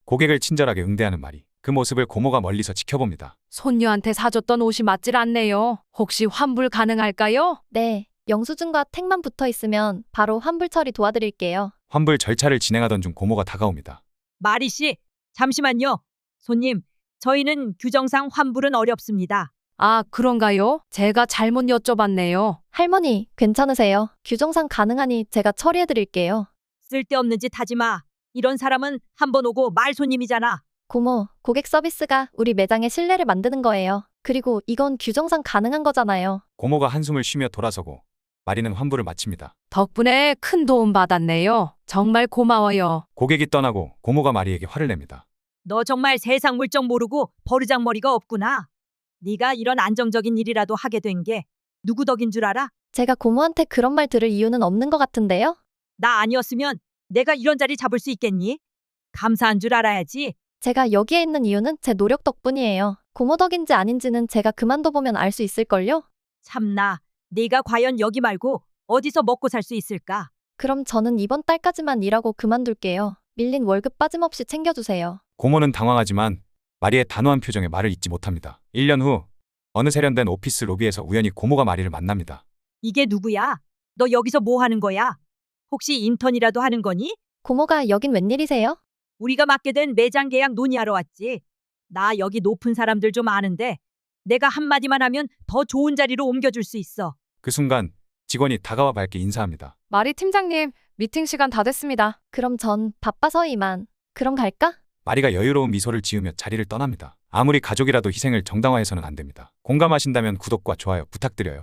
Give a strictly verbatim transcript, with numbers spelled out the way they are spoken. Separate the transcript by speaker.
Speaker 1: 고객을 친절하게 응대하는 마리. 그 모습을 고모가 멀리서 지켜봅니다.
Speaker 2: 손녀한테 사줬던 옷이 맞질 않네요. 혹시 환불 가능할까요?
Speaker 3: 네, 영수증과 택만 붙어 있으면 바로 환불 처리 도와드릴게요.
Speaker 1: 환불 절차를 진행하던 중 고모가 다가옵니다.
Speaker 4: 마리 씨, 잠시만요. 손님, 저희는 규정상 환불은 어렵습니다.
Speaker 2: 아, 그런가요? 제가 잘못 여쭤봤네요.
Speaker 3: 할머니, 괜찮으세요? 규정상 가능하니 제가 처리해드릴게요.
Speaker 4: 쓸데없는 짓 하지 마. 이런 사람은 한 번 오고 말 손님이잖아.
Speaker 3: 고모, 고객 서비스가 우리 매장의 신뢰를 만드는 거예요. 그리고 이건 규정상 가능한 거잖아요.
Speaker 1: 고모가 한숨을 쉬며 돌아서고 마리는 환불을 마칩니다.
Speaker 2: 덕분에 큰 도움 받았네요. 정말 고마워요.
Speaker 1: 고객이 떠나고 고모가 마리에게 화를 냅니다.
Speaker 4: 너 정말 세상 물정 모르고 버르장머리가 없구나. 네가 이런 안정적인 일이라도 하게 된 게 누구 덕인 줄 알아?
Speaker 3: 제가 고모한테 그런 말 들을 이유는 없는 것 같은데요?
Speaker 4: 나 아니었으면 내가 이런 자리 잡을 수 있겠니? 감사한 줄 알아야지.
Speaker 3: 제가 여기에 있는 이유는 제 노력 덕분이에요. 고모 덕인지 아닌지는 제가 그만둬보면 알 수 있을걸요?
Speaker 4: 참나, 네가 과연 여기 말고 어디서 먹고 살 수 있을까?
Speaker 3: 그럼 저는 이번 달까지만 일하고 그만둘게요. 밀린 월급 빠짐없이 챙겨주세요.
Speaker 1: 고모는 당황하지만 마리의 단호한 표정에 말을 잇지 못합니다. 일 년 후 어느 세련된 오피스 로비에서 우연히 고모가 마리를 만납니다.
Speaker 4: 이게 누구야? 너 여기서 뭐 하는 거야? 혹시 인턴이라도 하는 거니?
Speaker 3: 고모가 여긴 웬일이세요?
Speaker 4: 우리가 맡게 된 매장 계약 논의하러 왔지. 나 여기 높은 사람들 좀 아는데 내가 한마디만 하면 더 좋은 자리로 옮겨줄 수 있어.
Speaker 1: 그 순간 직원이 다가와 밝게 인사합니다.
Speaker 2: 마리 팀장님, 미팅 시간 다 됐습니다.
Speaker 3: 그럼 전 바빠서 이만. 그럼 갈까?
Speaker 1: 마리가 여유로운 미소를 지으며 자리를 떠납니다. 아무리 가족이라도 희생을 정당화해서는 안 됩니다. 공감하신다면 구독과 좋아요 부탁드려요.